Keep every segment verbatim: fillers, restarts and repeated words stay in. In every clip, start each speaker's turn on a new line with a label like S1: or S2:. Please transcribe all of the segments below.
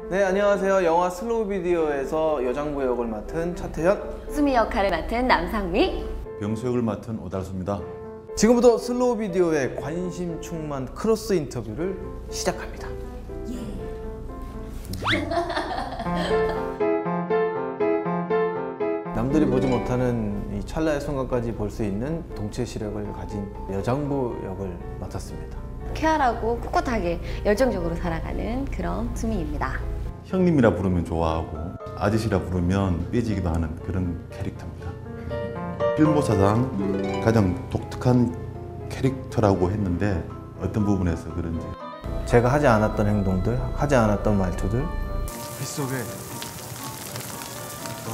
S1: 네, 안녕하세요. 영화 슬로우 비디오에서 여장부 역을 맡은 차태현,
S2: 수미 역할을 맡은 남상미,
S3: 병수 역을 맡은 오달수입니다.
S1: 지금부터 슬로우 비디오의 관심 충만 크로스 인터뷰를 시작합니다. 예. 남들이 보지 못하는 이 찰나의 순간까지 볼 수 있는 동체 시력을 가진 여장부 역을 맡았습니다.
S2: 쾌활하고 꿋꿋하게 열정적으로 살아가는 그런 수미입니다.
S3: 형님이라 부르면 좋아하고 아저씨라 부르면 삐지기도 하는 그런 캐릭터입니다. 필모사상 가장 독특한 캐릭터라고 했는데 어떤 부분에서 그런지
S1: 제가 하지 않았던 행동들, 하지 않았던 말투들
S3: 빗속에 너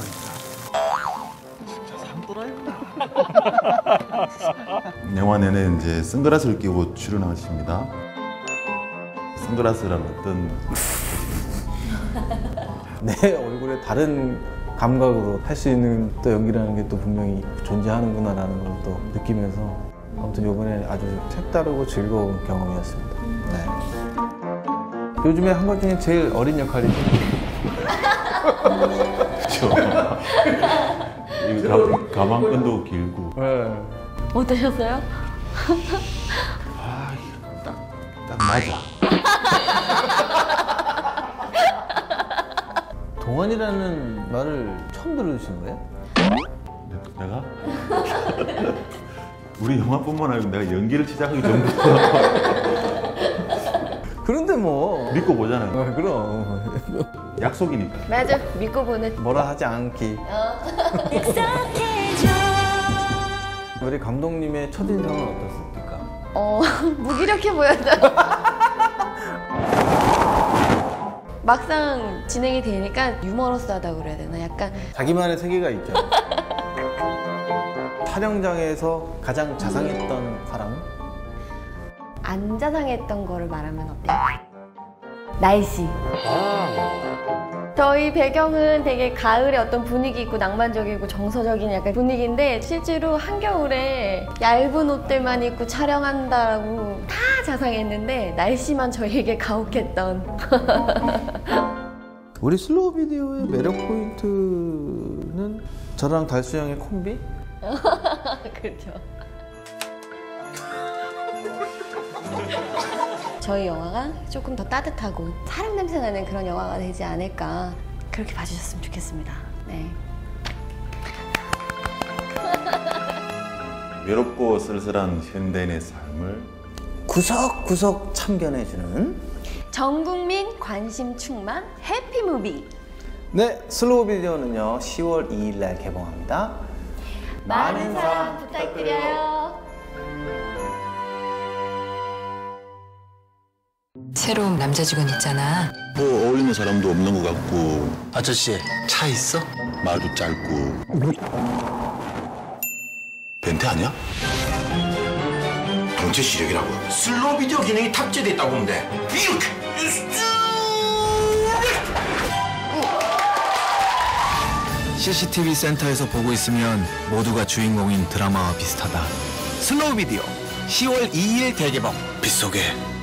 S3: 있다. 영화 내내 이제 선글라스를 끼고 출연하십니다. 선글라스란 어떤
S1: 내 얼굴에 다른 감각으로 할 수 있는 또 연기라는 게 또 분명히 존재하는구나라는 걸 또 느끼면서 아무튼 이번에 아주 색다르고 즐거운 경험이었습니다. 네. 요즘에 한 것 중에 제일 어린 역할이죠.
S3: 그렇죠. 가방끈도 길고.
S1: 네.
S2: 어떠셨어요?
S3: 아, 딱, 딱 맞아.
S1: 동안이라는 말을 처음 들으신 거예요?
S3: 내가? 우리 영화뿐만 아니고 내가 연기를 시작하기 전부터
S1: 그런데 뭐
S3: 믿고 보잖아요.
S1: 어, 그럼
S2: 어.
S3: 약속이니까.
S2: 맞아, 믿고 보는.
S1: 뭐라 하지 않기.
S2: 어.
S1: 우리 감독님의 첫인상은 어떻습니까?
S2: 어, 무기력해 보였다. 막상 진행이 되니까 유머러스하다고 그래야 되나? 약간
S1: 자기만의 세계가 있죠. 촬영장에서 가장 자상했던 사람은?
S2: 안 자상했던 거를 말하면 어때요? 날씨. 저희 배경은 되게 가을의 어떤 분위기 있고 낭만적이고 정서적인 약간 분위기인데 실제로 한겨울에 얇은 옷들만 입고 촬영한다고 다 자상했는데 날씨만 저희에게 가혹했던.
S1: 우리 슬로우 비디오의 매력 포인트는 저랑 달수 형의 콤비?
S2: 그렇죠. 저희 영화가 조금 더 따뜻하고 사랑 냄새 나는 그런 영화가 되지 않을까 그렇게 봐주셨으면 좋겠습니다. 네.
S3: 외롭고 쓸쓸한 현대인의 삶을
S1: 구석구석 참견해주는
S2: 전국민 관심 충만 해피무비.
S1: 네, 슬로우 비디오는요 시월 이일 날 개봉합니다.
S2: 많은 사랑 부탁드려요.
S4: 새로운 남자 직원 있잖아.
S5: 뭐 어울리는 사람도 없는 것 같고.
S6: 아저씨, 차 있어?
S5: 말도 짧고. 벤트 아니야? 동체 시력이라고.
S6: 슬로우 비디오 기능이 탑재돼 있다고 하는데 이렇게 씨씨티비 센터에서 보고 있으면 모두가 주인공인 드라마와 비슷하다. 슬로우 비디오 시월 이일 대개봉. 빗속에